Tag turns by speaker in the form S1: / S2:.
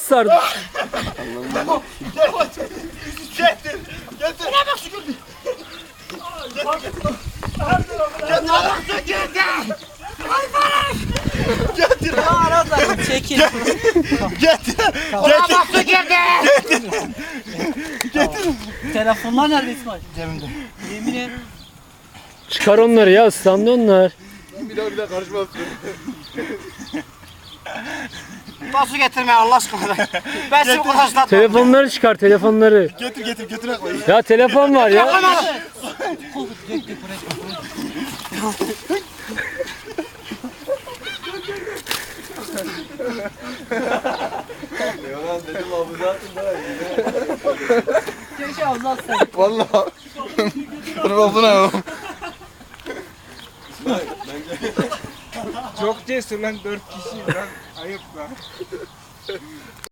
S1: sardı.
S2: Getir. Getir. Ne bak şu gördü. Getir. Bak şu gördü. Ay bana. Getir.
S3: Arada çekil.
S2: Getir.
S3: Bak su girdi.
S2: Getir.
S3: Telefonlar nerede İsmail?
S2: Cebimde.
S3: Yemin et.
S1: Çıkar onları ya, ıslandı onlar.
S4: Bir daha karışmazsın.
S3: Bak su getirme Allah aşkına. Ben seni kurtaşlatmam.
S1: Telefonları çıkar, telefonları.
S2: Getir götüre koy.
S1: Ya telefon var ya.
S4: Yalan dedim abi zaten daha iyi.
S3: Keşke avlatsın.
S4: Valla. Dur oldu ne o?
S5: Çok cesur lan 4 kişi lan. Ayıp lan.